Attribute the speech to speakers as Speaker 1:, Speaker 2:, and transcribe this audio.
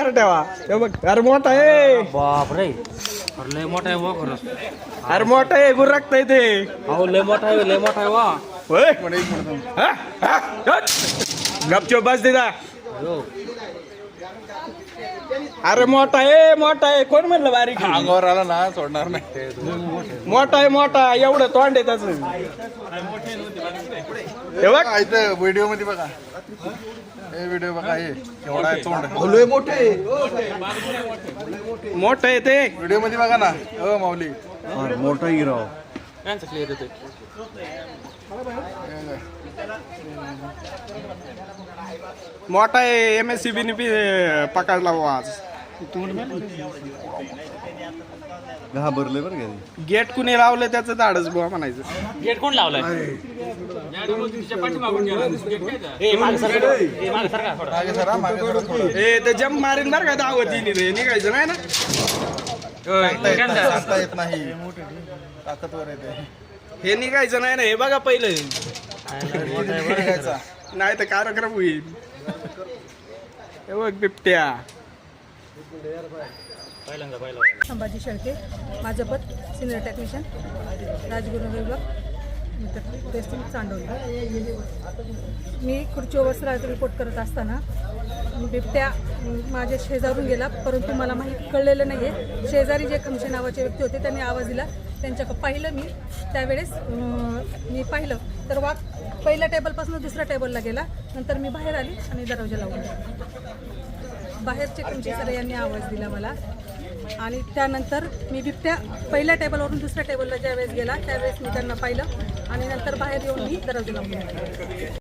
Speaker 1: बाहेर ठेवा हे बघ अरे मोठा आहे
Speaker 2: बाप रे अरे लय मोठा आहे वा खरंच
Speaker 1: अरे मोठा आहे गुरकताय ते
Speaker 2: अहो लय मोठा आहे वा
Speaker 1: होय गपचूप बस दिदा अरे मोठा आहे कोण म्हणलं बारीक आहे?
Speaker 3: अंगावर आला ना सोडणार नाही
Speaker 1: मोठा एवढं तोंड आहे त्याच हे बघ
Speaker 3: इथं व्हिडिओ मध्ये बघा हे व्हिडिओ बघा हे एवढा आहे तोंड
Speaker 1: मोठं आहे ते
Speaker 3: व्हिडिओ मध्ये बघा ना हो माऊली
Speaker 4: मोठा हिराव
Speaker 2: क्लिअर येतोय
Speaker 1: मोठा आहे MSCB ने पकडला बुवा आज
Speaker 4: घाबरले बरं का
Speaker 1: गेट कुणी लावलं त्याचं धाडच बुवा म्हणायचं
Speaker 2: गेट कोण लावलाय
Speaker 3: मागे सरा मागे सरा थोडं
Speaker 1: ए ते जम्प मारीन बरं का दावतीने रे निघायचं नाही ना
Speaker 3: सांगता येत नाही ताकदवर येते
Speaker 1: हे निघायचं नाही ना हे बघा पहिलं
Speaker 3: निघायचा
Speaker 1: नाही तर कार्यक्रम होईल हे बघ बिबट्या
Speaker 5: संभाजी शेळके माझं पद सिनियर टेक्निशियन राजगुरू विभाग टेस्टिंग चांडोली मी खुर्चीवर वस्त्राचा रिपोर्ट करत असताना बिबट्या माझ्या शेजारून गेला परंतु मला माहीत कळलेलं नाही आहे शेजारी जे खमशे नावाचे व्यक्ती होते त्यांनी आवाज दिला त्यांच्याकडं पाहिलं मी त्यावेळेस मी पाहिलं तर वाघ पहिल्या टेबलपासून दुसऱ्या टेबलला गेला नंतर मी बाहेर आली आणि दरवाजा लावला बाहेरचे खमशे सर यांनी आवाज दिला मला आणि त्यानंतर मी बिबट्या पहिल्या टेबलवरून दुसऱ्या टेबलला ज्यावेळेस गेला त्यावेळेस मी त्यांना पाहिलं आणि नंतर बाहेर येऊन मी दरवाजा लावला